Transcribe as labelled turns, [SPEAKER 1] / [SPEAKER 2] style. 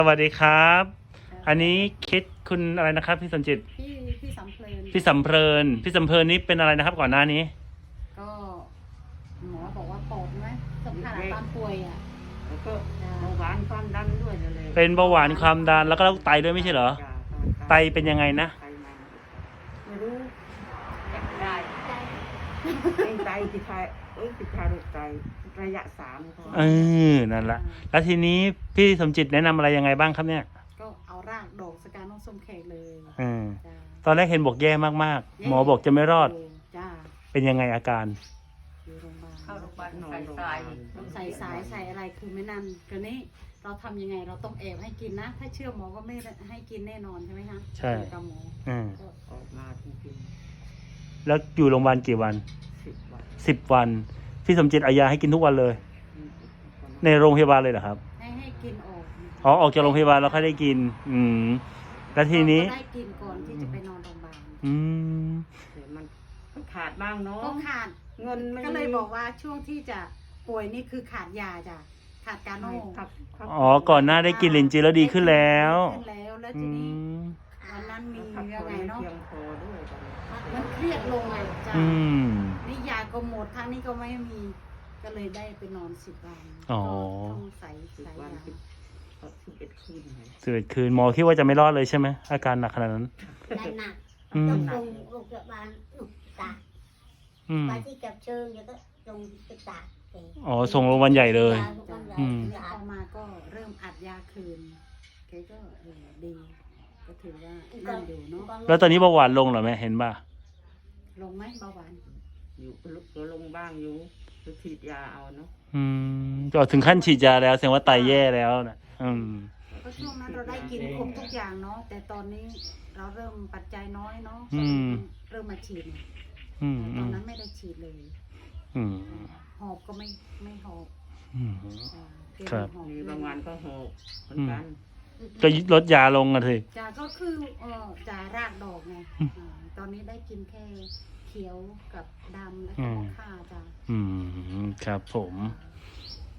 [SPEAKER 1] สวัสดีครับ อันนี้คิดคุณอะไรนะครับพี่สมจิต
[SPEAKER 2] พี่สำเพลิน
[SPEAKER 1] พี่สำเพลินนี่เป็นอะไรนะครับก่อนหน้านี้
[SPEAKER 2] ก็หมอบอกว่าปอดไหมสำคัญตอนป่วยอ่ะ
[SPEAKER 3] แล้วก็เบาหวานความดันด้วยนั่นแหละ
[SPEAKER 1] เป็นเบาหวานความดันแล้วก็โรคไตด้วยไม่ใช่เหรอ ไตเป็นยังไงนะ
[SPEAKER 3] ไตมัน
[SPEAKER 2] ไม่รู้
[SPEAKER 3] อยากได้เป็นไตติดไตติดทารกไตระยะ3เขา
[SPEAKER 1] นั่นละแล้วทีนี้พี่สมจิตแนะนำอะไรยังไงบ้างครับเนี่ย
[SPEAKER 2] ก็เอารากดอกสการน้องส้มแขกเลย จ้า
[SPEAKER 1] ตอนแรกเห็นบอกแย่มากๆ หมอบอกจะไม่รอด
[SPEAKER 2] จ้า
[SPEAKER 1] เป็นยังไงอาการ
[SPEAKER 2] อยู่โรงพยาบาล
[SPEAKER 3] เข้าโรงพยาบาลนอนโรงพยาบาล
[SPEAKER 2] ต้องใส่สายใส่อะไรคือไม่นั่นทีนี้เราทำยังไงเราต้องแอบให้กินนะ ถ้าเชื่อหมอก็ไม่ให้กินแน่นอนใช่ไหมคะ
[SPEAKER 1] ใช่
[SPEAKER 2] กับหมอ ก็
[SPEAKER 3] ออกมาจริง
[SPEAKER 1] แล้วอยู่โรงพยาบาลกี่วัน
[SPEAKER 3] ๆ10 วัน
[SPEAKER 1] 10 วันพี่สมจิตเอายาให้กินทุกวันเลย ในโรงพยาบาลเลยเหรอครับ
[SPEAKER 2] ให้กินออก
[SPEAKER 1] อ๋อออกจากโรงพยาบาลแล้วค่อยได้กิน แล้วทีนี้
[SPEAKER 2] ก็ได้กินก่อนที่จะไปนอนโรงพยาบาล
[SPEAKER 1] อืม
[SPEAKER 3] แต่มันขาดบ้างเนาะ
[SPEAKER 2] ก็ขาด
[SPEAKER 3] เงินไม่
[SPEAKER 2] ก็เลยบอกว่าช่วงที่จะป่วยนี่คือขาดยาจ้ะขาดกาโน่
[SPEAKER 3] ครับ
[SPEAKER 1] อ๋อก่อนหน้าได้กินลินจีแล้วดีขึ้นแล้ว
[SPEAKER 2] ดีขึ้นแล้วแล้ว
[SPEAKER 1] อื
[SPEAKER 2] ทีนี้
[SPEAKER 1] ม
[SPEAKER 2] วันนั้นมี
[SPEAKER 3] พัก
[SPEAKER 2] ยั
[SPEAKER 3] ผ่
[SPEAKER 2] ง
[SPEAKER 3] อน
[SPEAKER 2] ไง
[SPEAKER 3] ไม่
[SPEAKER 2] เนาะ
[SPEAKER 3] เพียงพอด้วยตอนนี้
[SPEAKER 2] มันเครียดลงอ่ะจ้ะ
[SPEAKER 1] อืม
[SPEAKER 2] นี่ยาก็หมดทางนี้ก็ไม่มี ก็เลยได้ไปนอน10 วัน
[SPEAKER 1] อ๋อ
[SPEAKER 2] ก็ต้องใส่
[SPEAKER 3] 10 วัน
[SPEAKER 2] ยา
[SPEAKER 3] 11 คืนเลย
[SPEAKER 1] 11 คืนหมอคิดว่าจะไม่รอดเลยใช่ไหมอาการหนักขนาดนั้น
[SPEAKER 4] ได้หนัก
[SPEAKER 1] อืม
[SPEAKER 4] ต้องลงโรงพยาบาลอุตา
[SPEAKER 1] อืม
[SPEAKER 4] ไปที่กับเชิงแล้วก็ลงอุตา
[SPEAKER 1] อ๋อส่งโรงพยาบาลใหญ่เลย อืม
[SPEAKER 2] แล้วพอมาก็เริ่มอัดยาคืนแกก็ดี ก็ถือว่านั่นอยู่เนาะ
[SPEAKER 1] แล้วตอนนี้เบาหวานลงเหรอแม่เห็นป่ะ
[SPEAKER 2] ลงไหมเบาหวาน
[SPEAKER 3] อยู่ก็ลงบ้างอยู่ไปฉีดยาเอาเนาะ
[SPEAKER 1] ก็ถึงขั้นฉีดยาแล้วแสดงว่าไตแย่แล้วนะ
[SPEAKER 2] ก็ช่วงนั้นเราได้กินครบทุกอย่างเนาะแต่ตอนนี้เราเริ่มปัจจัยน้อยเนาะ
[SPEAKER 1] อืม
[SPEAKER 2] เริ่มมาฉีด
[SPEAKER 1] อืม
[SPEAKER 2] ตอนนั้นไม่ได้ฉีดเลย
[SPEAKER 1] อืม
[SPEAKER 2] หอบก็ไม่หอบ
[SPEAKER 1] อืม
[SPEAKER 2] เกณฑ์
[SPEAKER 1] ครับ
[SPEAKER 2] หอบ
[SPEAKER 3] มีบางวันก็หกเหมือนกัน
[SPEAKER 1] ก็ลดยาลงกันเลย
[SPEAKER 2] จ่าก็คือจ่ารากดอกไง
[SPEAKER 1] อืม
[SPEAKER 2] ตอนนี้ได้กินแค่เขียวกับดำแล้ว
[SPEAKER 1] อื
[SPEAKER 2] ก็
[SPEAKER 1] ม
[SPEAKER 2] ข้าจ้า
[SPEAKER 1] ครับผม
[SPEAKER 2] จ